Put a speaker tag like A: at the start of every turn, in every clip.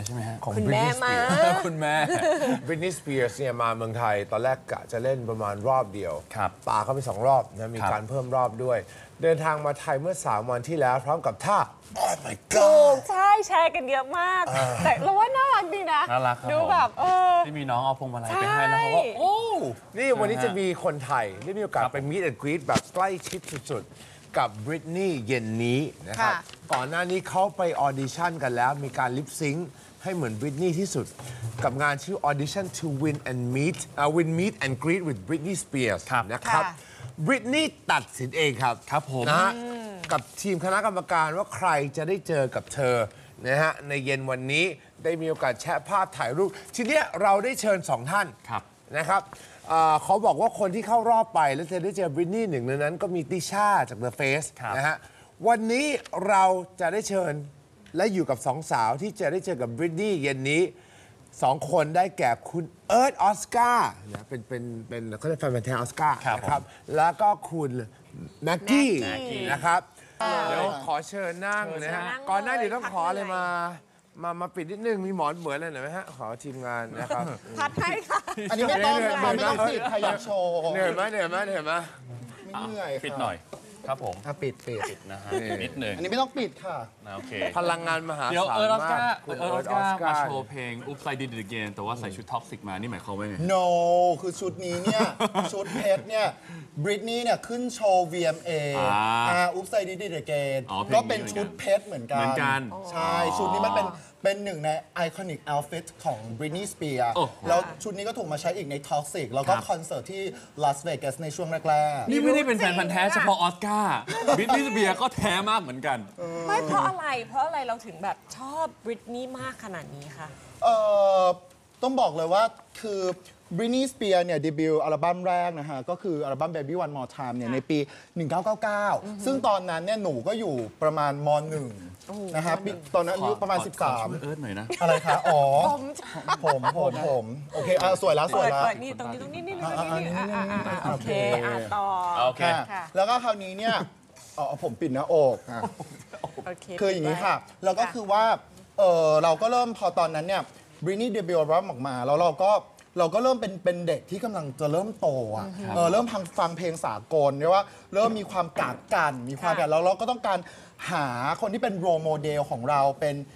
A: ช่ไหมฮะ
B: ของ
C: คุณแม่
B: Britney
C: มา
B: Spears
A: คุณแม่
B: Britney Spears เนี่ยมาเมืองไทยตอนแรกกะจะเล่นประมาณรอบเดียว
A: ครับ
B: ป่าเข้าไป2 รอบนะมีการเพิ่มรอบด้วย เดินทางมาไทยเมื่อ3 วันที่แล้วพร้อมกับท่า Oh my
C: ถู
B: God
C: กใช่แชร์กันเยอะมาก แต่เราว่าน่ารักดีนะ
A: น่ารักครับ
C: ดูแบบ
A: ที่มีน้องเอาพวงมาลัยไปให้แล้วเขาก็โอ้
B: นี่วันนี้จะมีคนไทยได้มีโอกาสไป meet and greet แบบใกล้ชิดสุดๆ กับ Britney เย็นนี้นะครับ
C: ค่ะ
B: ก่อนหน้านี้เขาไปออดิชั่นกันแล้ว มีการลิปซิงค์ให้เหมือน Britney ที่สุด กับงานชื่อ Audition to Win and Win Meet and Greet with Britney Spears
A: ครับ
B: นะครับ Britney ตัดสินเองครับ
A: ครับผม
B: นะฮะกับทีมคณะกรรมการว่าใครจะได้เจอกับเธอนะฮะในเย็นวันนี้ได้มีโอกาสแชะภาพถ่ายรูป ทีเนี้ยเราได้เชิญ 2 ท่าน
A: ครับ
B: นะครับเขาบอกว่าคนที่เข้ารอบไปแล้วจะได้เจอบริตนี่หนึ่งในนั้นก็มีติช่าจาก The Face
A: ครับ
B: นะฮะวันนี้เราจะได้เชิญและอยู่กับ2 สาวที่จะได้เจอกับบริตนี่เย็นนี้ 2 คนได้แก่คุณเอิร์ธออสการ์นะเป็นเขาเรียกแฟนพันธุ์แท้ออสการ์
A: ครับ
B: นะครับแล้วก็คุณแม็กกี้
C: แม็กกี้
B: นะครับเดี๋ยวขอเชิญนั่งนะฮะ
C: เชิญนั่ง
B: ก่อนหน้าเดี๋ยวต้อง
C: เลย
B: ขออะไร
C: พัก
B: มาปิดนิดนึงมีหมอนเหมือนอะไรหน่อยไหมฮะขอทีมงานนะครับ
C: พัดให้ค่ะ
D: อันนี้ไม่ต้อง
B: เหนื่อย
D: ค่ะไม่ต้องปิดค่ะอยากโชว์
B: เหนื่อยไหม
D: ไม่เหนื่อยค่ะ
A: ปิดหน่อยครับผม
D: ปิด
A: นะฮะนิดหนึ่ง
D: อันนี้ไม่ต้องปิดค่ะ
A: นะโอเค
B: พลังงานมหา
A: เดี๋ยว
B: ศาล
A: เอิร์ธออส
B: มา
A: การ์
B: กคุณ
A: เอิร์ธออสการ์มา
B: ร์
A: โชว์เพลง Oops I Did It Again แต่ว่าใส่ชุดท็อกซิกมา นี่หมายความว่าไง
D: no คือชุดนี้เนี่ย ชุดเพชรเนี่ยบริตนี่เนี่ยขึ้นโชว์ VMA อุ๊บไซดิดเกน
A: อ๋อเพลงนี้
D: ก็เป็นชุดเพชรเหมือนกัน
A: เหมือนกัน
D: ใช่ ชุดนี้มันเป็นหนึ่งในไอคอนิก outfit ของ Britney Spears
A: โอ้โห
D: แล้วชุดนี้ก็ถูกมาใช้อีกใน Toxic แล้วก็
A: ครับ
D: คอนเสิร์ตที่ลาสเวกัสในช่วงแรกๆ
A: นี่ไม่ได้เป็นแฟนพันธ์แท้เฉพาะออสการ์บิทนี่สเปียร์ก็แท้มากเหมือนกัน
C: ไม่เพราะอะไร เพราะอะไรเราถึงแบบชอบบริตนี่มากขนาดนี้คะ
D: ต้องบอกเลยว่าคือ Britney Spears เนี่ยเดบิวต์อัลบั้มแรกนะฮะ ก็คืออัลบั้ม Baby One More Time เนี่ยในปี 1999 ซึ่งตอนนั้นเนี่ยหนูก็อยู่ประมาณม .1 นะฮะตอนนั้นอายุประมาณ
A: ขอช่วยเอิร์ธหน่อยนะ
D: 13 อะไรคะ อ๋อ
C: ผม
D: ผมโอเคสวยแล้วส
C: เปิ
D: วย
C: ด
D: แล้ว
C: เปิดนี่ตรงนี้นี่โอเคต่อ
A: โอเค
C: ค่ะ
D: แล้วก็คราวนี้เนี่ยผมปิดหน้าอกอ่ะ
C: โอเค
D: คืออย่างนี้ค่ะ แล้วก็คือว่าเราก็เริ่มพอตอนนั้นเนี่ยบริ t นี่เดบิวต์อัลบั้มออกมา แล้วเราก็เริ่มเป็นเด็กที่กำลังจะเริ่มโตอ่ะเริ่มฟังเพลงสากลเรียกว่าเริ่มมีความกาดกันมีความกันแล้วเราก็ต้องการหาคนที่เป็นโรโมเดลของเรา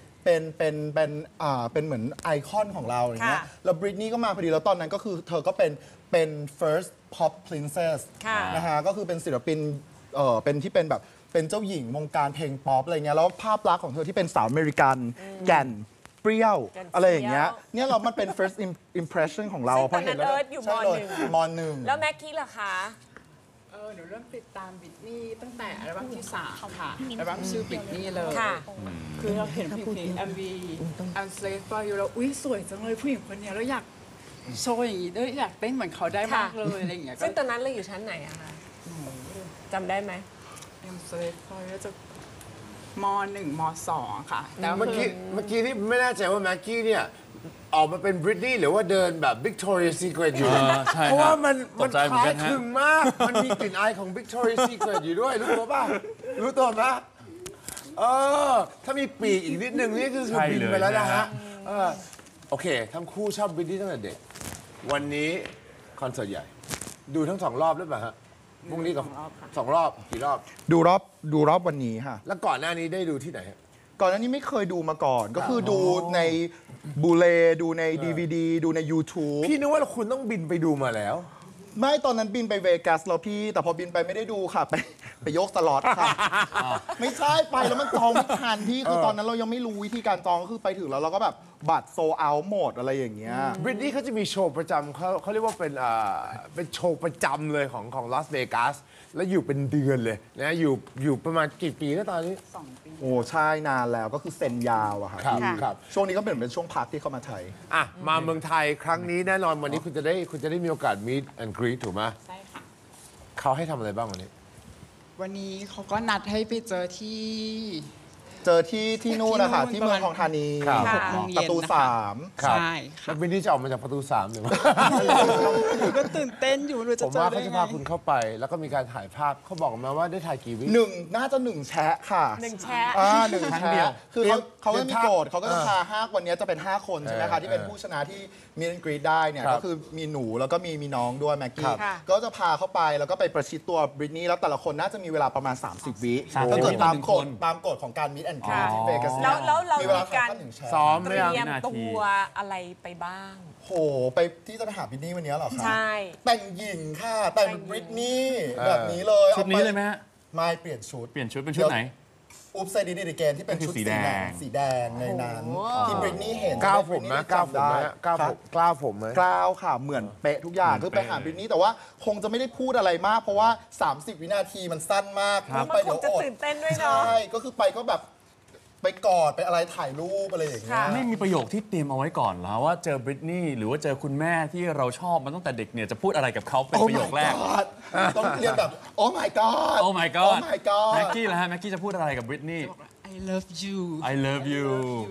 D: เป็นเหมือนไอคอนของเราอย่างเงี้ย
C: ค่ะ
D: แล้วบริ t นี่ก็มาพอดีแล้วตอนนั้นก็คือเธอก็เป็น first pop princess
C: ค่ะ
D: นะฮะก็คือเป็นศิลปินเป็นที่เป็นแบบเป็นเจ้าหญิงวงการเพลงป๊อปอะไรเงี้ยแล้วภาพลักษณ์ของเธอที่เป็นสาวอเมริกันแก่นเปรี้ยว
C: แก่น
D: อะไรอย่างเงี้ย
C: เปรี้ยว
D: เนี่ยเรามันเป็น first impression ของเรา
C: ซึ่งตอนนั้น
D: พ
C: เอิร์ธอยู่
D: ใช่
C: ม
D: เลย
C: 1
D: มหนึ่ง
C: แล้วแม็กกี้ล่ะคะ
E: หนูเริ่มติดตามบิทนี่ตั้งแต่อัลบั้มที่ 3 ค่ะ อัลบั้มชื่อบิทนี่เลย
C: ค่ะ
E: คือเราเห็นเพลง MV I'm Slave for You แล้วอุ๊ย สวยจังเลยผู้หญิงคนเนี้ยแล้วอยากโชว์อย่างนี้ด้วยอยากเต้นเหมือนเขาได้มากเลยอะไรอย่างเงี้ยก็
C: ซึ่งตอนนั้นเราอยู่ชั้นไหนอะคะจำได้ไหม
E: I'm Slave for You จะม .1 ม .2 ค่ะแต่
B: เมื่อกี้นี่ไม่แน่ใจว่าแม็กกี้เนี่ยออกมาเป็นบริตนี่หรือว่าเดินแบบ Victoria's Secret อยู่
A: ใช่ครับ
B: เพราะว่ามัน
A: ตกใจเหมือน
B: คล้า
A: กั
B: ย
A: นฮะ
B: คลึงมาก มันมีกลิ่นอายของ Victoria's Secret อยู่ด้วย รู้ตัวป่ะ รู้ตัวไหมถ้ามีปีกอีกนิดนึงนี่คือ
A: ใช่
B: บิน
A: เลย
B: ไปแล้วนะ
A: นะ
B: ฮะ
A: ฮะ
B: โอเค ทั้งคู่ชอบบริตนี่ตั้งแต่เด็ก วันนี้คอนเสิร์ตใหญ่ ดูทั้ง2 รอบหรือเปล่าฮะพรุ่งนี้กับ2 รอบกี่รอบ
D: ดูรอบวันนี้ค่ะ
B: แล้วก่อนหน้านี้ได้ดูที่ไหนฮะ
D: ก่อนหน้านี้ไม่เคยดูมาก่อน ก็คือดูในบูเลดูใน DVD ดูใน YouTube
B: พี่นึกว่าคุณต้องบินไปดูมาแล้ว
D: ไม่ตอนนั้นบินไปเวกัสแล้วพี่ แต่พอบินไปไม่ได้ดูค่ะ ไปยกสล็อตค่ะ ไม่ใช่ไปแล้วมันจองไม่ทันพี่คือตอนนั้นเรายังไม่รู้วิธีการจองก็คือไปถึงแล้วเราก็แบบบัตรโซเอาหมดอะไรอย่างเงี้ย
B: บริตนี่เขาจะมีโชว์ประจำเขาเรียกว่าเป็นโชว์ประจำเลยของลาสเวกัสแล้วอยู่เป็นเดือนเลยนะอยู่ประมาณกี่ปีแล้วตอนนี้
E: 2 ปี
D: โอ้ใช่นานแล้วก็คือเซ็นยาวอะค่ะ
B: ครับ
D: พี่
B: ครับ
D: ช่วงนี้ก็เป็นช่วงพักที่เข้ามาไทย
B: อ่ะมาเมืองไทยครั้งนี้แน่นอนวันนี้คุณจะได้มีโอกาส meet and greet ถูกไหม
E: ใช่ค่ะ
B: เขาให้ทำอะไรบ้างวันนี้
E: วันนี้เขาก็นัดให้ไปเจอที่
D: เจอที่นู่นนะคะที่เมืองทองธานี
B: ครับ
E: 6 โมง
D: ป
E: เย็
D: ระ
E: น
D: ตู
E: นะคะ
D: 3
E: ใช่
B: แล้
E: ค่ะ
B: ววินนี่จะออกมาจากประตู3หรือว่า
E: หนูก็ตื่นเต้นอยู่หนูจะ
B: ผม
E: เจอ
B: ว่า
E: ได้
B: เขาจะ
E: ไง
B: พาคุณเข้าไป แล้วก็มีการถ่ายภาพเขาบอกมาว่าได้ถ่ายกี่วิ
D: น่าจะ1แชะค่ะ
C: 1 แชะ
D: หนึ่ง
A: ครั้งเดียว
D: แชะคือเขาไม่มีโกรธเขาก็จะ
B: เออ
D: พา5วันนี้จะเป็น 5 คนใช่ไหมคะที่เป็นผู้ชนะที่มีนกรีดได้เนี่ย
B: ครับ
D: ก็คือมีหนูแล้วก็มีน้องด้วยแม็ก
B: ครั
D: กี้
B: บ
C: ค่ะ
D: ก็จะพาเข้าไปแล้วก็ไปประชิดตัวบริตนี่แล้วแต่ละคนน่าจะมีเวลาประมาณ 30 วิ
A: 30
D: ถ้าเกิด
A: วิ
D: ตาม
A: ต่อหนึ่ง
D: กฎ
A: คน
D: ตามกฎของการมิดแอนด์กรี
C: ค่ะ
D: ที่เวกัส
C: แล้วเรา
D: มีเวลา
C: มีการ
D: ถ่าย1แชะ
B: ซ้อม
C: เต
B: ไหม
C: รี
B: ครับ
C: ยมตัวอะไรไปบ้าง
D: โหไปที่จะไปหาบริตนี่วันนี้เหรอคะ
C: ใช่
D: แต่งหญิงค่ะแต่งบริตนี่แบบนี้เลย
A: ชุดนี้เลยไหมฮะ
D: ไม่เปลี่ยนชุด
A: เปลี่ยนชุดเป็นชุดไหน
D: อุ๊บไซดีดีเกนที่เป็น
A: ก็คือ
D: ชุด
A: สี
D: สี
A: แด
D: แด
A: ง
D: งสีแดงในนั้น
C: โอ้
D: ที่บริตนี่เห็น
B: ก้าวผมไหม
D: จะได้
B: ก้าวผมไหม
D: จำได้
B: ก้าวผมกล้าวผมไหม
D: กล้าวค่ะ เหมือนเป๊ะทุกอย่าง
A: เหมื
D: คือ อน ไป
A: เป๊ะ
D: หาบริตนี่แต่ว่าคงจะไม่ได้พูดอะไรมาก เพราะว่า 30 วินาทีมันสั้นมาก
C: แล้ว
D: ไป
C: มันค
D: เดี๋
C: ง
D: ยว
C: จะ
D: อด
C: ตื่นเต้นด้วยเนาะ
D: ใช่ก็คือไปก็แบบไปกอดไปอะไรถ่ายรูปอะไรอย่างเงี้ย
C: ค่ะ
A: ไม่มีประโยคที่เตรียมเอาไว้ก่อนแล้วว่าเจอบริตนี่หรือว่าเจอคุณแม่ที่เราชอบมาตั้งแต่เด็กเนี่ยจะพูดอะไรกับเขาเป็น
D: Oh
A: ประโยค
D: my
A: แรก
D: god ต้องเรียนแบบ Oh my god
A: Oh my god
D: Oh my god
A: แม็กกี้ล่ะฮะแม็กกี้จะพูดอะไรกับบริตนี่
E: I love you
A: I love you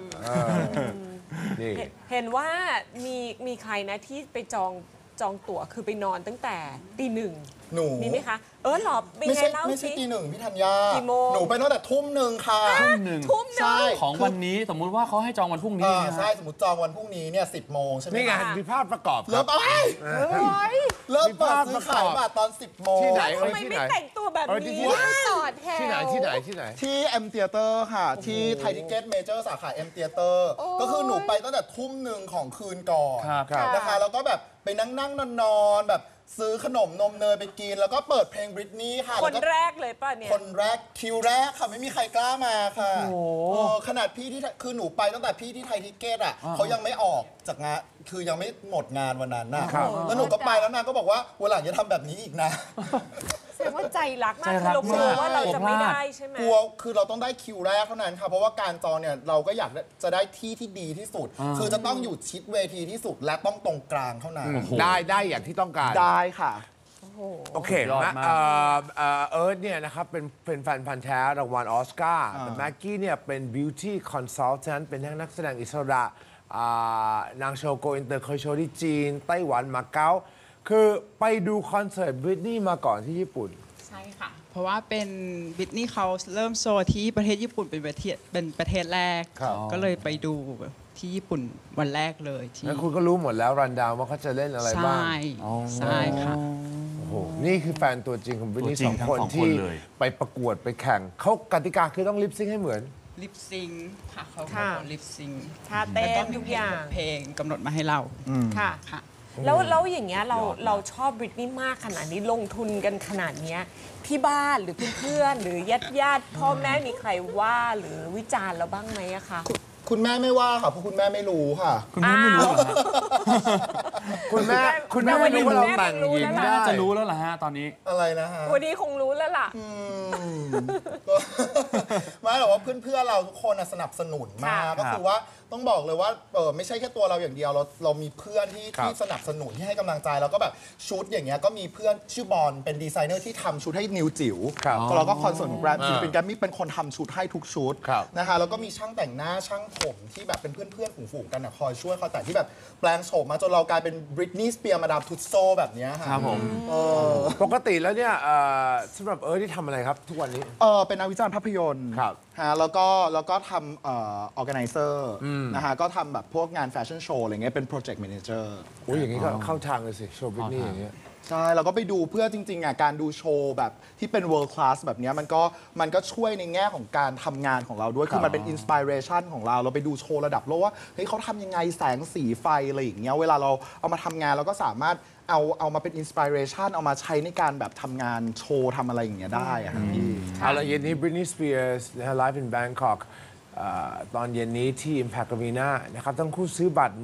B: นี่
C: เห็นว่ามีใครนะที่ไปจองตั๋วคือไปนอนตั้งแต่ตี 1
D: หนู
C: มีไหมคะ หรอเป็น
D: ไม่
C: ไง
D: ใช่
C: เล่า
D: ไม่ใช่
C: สิ
D: ตี 1พี่ธัญญา
C: กี่โมง
D: หนูไปตั้งแต่ทุ่มหนึ่งค่ะ
A: ทุ่มหนึ่ง
C: ทุ่มห
D: ใช่
C: นึ่ง
A: ของวันนี้สมมุติว่าเขาให้จองวันพรุ่งนี้
D: อ่า
A: นะ
D: ใช่
A: ฮะ
D: สมมติจองวันพรุ่งนี้เนี่ย10 โมงใช่ไหม
B: นี่ไง
D: คะ
B: มีภาพประกอบค
D: เริ่
B: รับ
D: มเริ่มเปิดซื้อขายบัตรตอน 10 โมง
B: ที่ไหน
C: ทำไมไม่แต่งตัวแบบ
B: ที่
C: นี้
B: ไหน
C: ต่อแถว
B: ที่ไหนที่ไหนที่ไหน
D: ที่ M Theater ค่ะ ที่ไทยทิเก็ตเมเจอร์สาขา M Theater ก็คือหนูไปตั้งแต่ทุ่มหนึ่งของคืนก่อน
A: ครับ
B: ครับ
D: นะคะแล้วก็แบบไปนั่งนอนแบบซื้อขนมนมเนยไปกิน แล้วก็เปิดเพลงบริตนี่ค่ะ
C: คน
D: แล้วก็
C: แรกเลยป่ะเนี่ย
D: คนแรกคิวแรกค่ะ ไม่มีใครกล้ามาค่ะขนาดพี่ที่คือหนูไปตั้งแต่พี่ที่ไทยทิเก็ตอ่ะเขายังไม่ออกจากงานคือยังไม่หมดงานวันนั้นน่ะ
B: ครับ
D: แล้วหนูก็ไปแล้วนางก็บอกว่าวันหลังอย่าทำแบบนี้อีกนะ
C: แสดงว่าใจรักมาก
A: ใจ
C: คือ
A: รัก
C: เรากลัว
A: มาก
C: ว่าเราจะไม่
A: กลัวพลาด
C: ได้ใช่ไหม
D: กลัวคือเราต้องได้คิวแรกเท่านั้นค่ะ เพราะว่าการจองเนี่ยเราก็อยากจะได้ที่ที่ดีที่สุด คือจะต้องอยู่ชิดเวทีที่สุดและต้องตรงกลางเท่านั้น
B: ได้อย่างที่ต้องการ
D: ได้ค่ะ
B: โอเค
A: ยอดมาก
B: เอิร์ธเนี่ยนะครับเป็นแฟนพันธ์แท้รางวัลออสการ์แต่แม็กกี้เนี่ยเป็น beauty consultant เป็นทั้งนักแสดงอิสระนางโชว์โกอินเตอร์เคยโชว์ที่จีน ไต้หวันมาเก๊าคือไปดูคอนเสิร์ตบริตนี่มาก่อนที่ญี่ปุ่น
E: ใช่ค่ะ เพราะว่าเป็นบิทนี่เขาเริ่มโชว์ที่ประเทศญี่ปุ่นเป็นประเทศแรก
B: ครับ
E: ก็เลยไปดูที่ญี่ปุ่นวันแรกเลยที่
B: แล้วคุณก็รู้หมดแล้วรันดาวว่าเขาจะเล่นอะไร
E: ใช่
B: บ้าง
E: ใช่ค่ะ
B: โอ้โหนี่คือแฟนตัวจริงของบริตนี่
A: ตัวจริ
B: สอง ง
A: ทั้ง
B: คน
A: สองคน
B: ที่
A: เลย
B: ไปประกวดไปแข่งเขากติกาคือต้องลิปซิงค์ให้เหมือน
E: ลิปซิงค่ะเขา
C: ค่ะ
E: ลิปซิง
C: ท่าเต้
E: แล้วก็
C: น
E: มี
C: ทุก
E: เพล
C: อย่าง ง
E: เพลงกำหนดมาให้เรา
C: ค่ะ
E: ค่ะ
C: แล้วอย่างเงี้ยเราชอบบริตนี่มากขนาดนี้ลงทุนกันขนาดเนี้ยที่บ้านหรือเพื่อนๆหรือญาติพ่อแม่มีใครว่าหรือวิจารณ์เราบ้างไหมอะคะ
D: คุณแม่ไม่ว่าค่ะเพราะคุณแม่ไม่รู้ค่ะ
A: คุณแม่ไม่รู้เหรอฮะ
B: คุณแม่ไม่รู้ว่าเราแต่งหญิงได้
A: น่าจะรู้แล้วล่ะฮะตอนนี้
D: อะไรนะฮะ
C: วันนี้คงรู้แล้วล่ะ
D: ก็ไม่หรอกว่าเพื่อนๆเราทุกคนน่ะสนับสนุนมาก
C: ค่ะ
D: ก็คือว่าต้องบอกเลยว่าไม่ใช่แค่ตัวเราอย่างเดียวเรามีเพื่อนที่
B: ครับ
D: ที่สนับสนุนที่ให้กำลังใจแล้วก็แบบชุดอย่างเงี้ยก็มีเพื่อนชื่อบอลเป็นดีไซเนอร์ที่ทำชุดให้นิวจิ๋ว
B: ครับ
D: เราก็คอนเสิร์ตของแกรมศิลปินแกรมมี่เป็นคนทำชุดให้ทุกชุด
B: ครับ
D: นะคะแล้วก็มีช่างแต่งหน้าช่างผมที่แบบเป็นเพื่อนๆฝูงๆกันนะคอยช่วยคอยแต่งที่แบบแปลงโฉมมาจนเรากลายเป็นบริตนีย์สเปียร์มาดามทุตโซแบบเนี้ยค่ะ
A: ครับผม
B: ปกติแล้วเนี่ยสำหรับเอิร์ธที่ทำอะไรครับ ทุกวันนี้
D: เป็นนักวิจารณ์ภาพยนตร์
B: ครับ
D: ฮะแล้วก็ทำorganizer นะฮะก็ทำแบบพวกงานแฟชั่นโชว์อะไรเงี้ยเป็น project manager
B: โอ้ยอย่างนี้ก็เข้าทางเลยสิ โชว์บริตนี่อย่างเงี้ย
D: ใช่เราก็ไปดูเพื่อจริงๆอ่ะการดูโชว์แบบที่เป็น world class แบบเนี้ยมันก็ช่วยในแง่ของการทำงานของเราด้วย คือมันเป็น inspiration ของเราไปดูโชว์ระดับโลกว่าเฮ้ยเขาทำยังไงแสงสีไฟอะไรอย่างเงี้ยเวลาเราเอามาทำงานเราก็สามารถเอามาเป็น inspiration เอามาใช้ในการแบบทำงานโชว์ทำอะไรอย่างเงี้ยได้อะครับพี่
B: เอาละเย็นนี้ Britney Spears นะฮะ Live in Bangkok ตอนเย็นนี้ที่ Impact Arena นะครับทั้งคู่ซื้อบัตร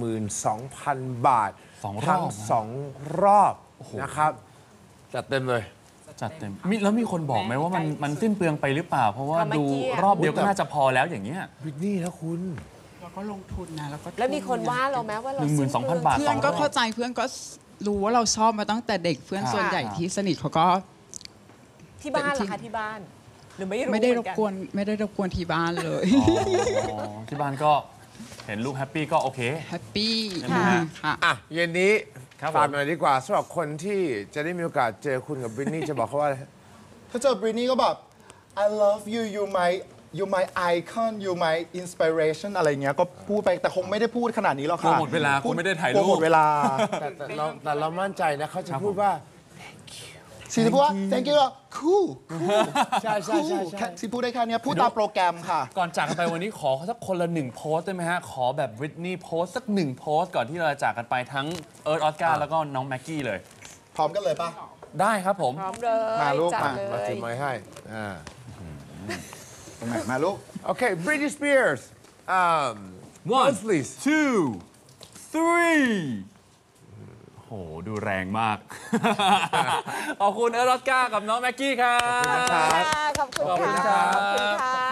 B: 12,000 บาท
A: สองรอบ
B: ทั้ง 2 รอบนะครับจัดเต็มเลย
A: จัดเต็มแล้วมีคนบอกไหมว่ามันสิ้นเปลืองไปหรือเปล่า เพราะว่า
C: ทำเมื่อ
A: ดู
C: กี้อะ
A: รอบเดียวก็น่าจะพอแล้วอย่างเงี้ย
B: Britney นะคุณ
E: เราก็ลงทุนนะแล้วก็
C: แล้วมีคนว่าเราไหมว่าเรา
A: 12,000 บาท
E: เพื่อนก็เข้าใจเพื่อนก็รู้ว่าเราชอบมาตั้งแต่เด็กเพื่อนส่วนใหญ่ที่สนิทเขาก็
C: ที่บ้านเหรอคะที่บ้านหรือไม่รู้
E: ไม่ได้
C: เห
E: ร
C: มือบ นกัน
E: กวนไม่ได้รบกวนที่บ้านเลย
A: อ๋อที่บ้านก็เห็นลูกแฮปปี้ก็โอเค
E: แฮปปี้
A: ใช่ไหมฮะ
E: ค่ะ
B: อ่ะเย็นนี้
A: ครับผม
B: ฝากหน่อยดีกว่าสำหรับคนที่จะได้มีโอกาสเจอคุณกับบริตนี่จะบอกเขาว่าอะไร
D: ถ้าเจอบรินี่ก็แบบ I love you you my icon you my inspiration อะไรเงี้ยก็พูดไปแต่คงไม่ได้พูดขนาดนี้หรอก
A: กลัว
D: ค่ะ
A: หมดเวลา
D: พู
A: คงไม่ได้ถ่ายรูป
D: กลัวหมดเวลา
B: แต่เรามั่นใจนะเขาจะพูดว่า
D: ชีจะพูดว่า thank you cool
B: ใช่ใช่ใช่ใช่
D: ชีพูดได้แค่เนี้ยพูดตามโปรแกรมค่ะ
A: ก่อนจากกันไปวันนี้ขอสักคนละ1โพสต์ได้ไหมฮะ ขอแบบบริตนี่โพสต์สัก1โพสต์ก่อนที่เราจะจากกันไปทั้งเอิร์ธออสการ์แล้วก็น้องแม็กกี้เลย
D: พร้อมกันเลยป่ะ
A: ได้ครับผม
C: พร้อมเลย
D: มาลูก
C: จัด
D: มา
C: เล
B: มาย ถือไม้ให้
D: ตรงไหนมาลูก
B: โอเค Britney Spears
A: One
B: please
A: two three โหดูแรงมาก ขอบคุณเอิร์ธออสการ์กับน้องแม็กกี้ครับ
C: ขอบคุณ
A: ขอบคุณ
C: ค่ะ
A: ครับ
C: ขอบคุณค่ะ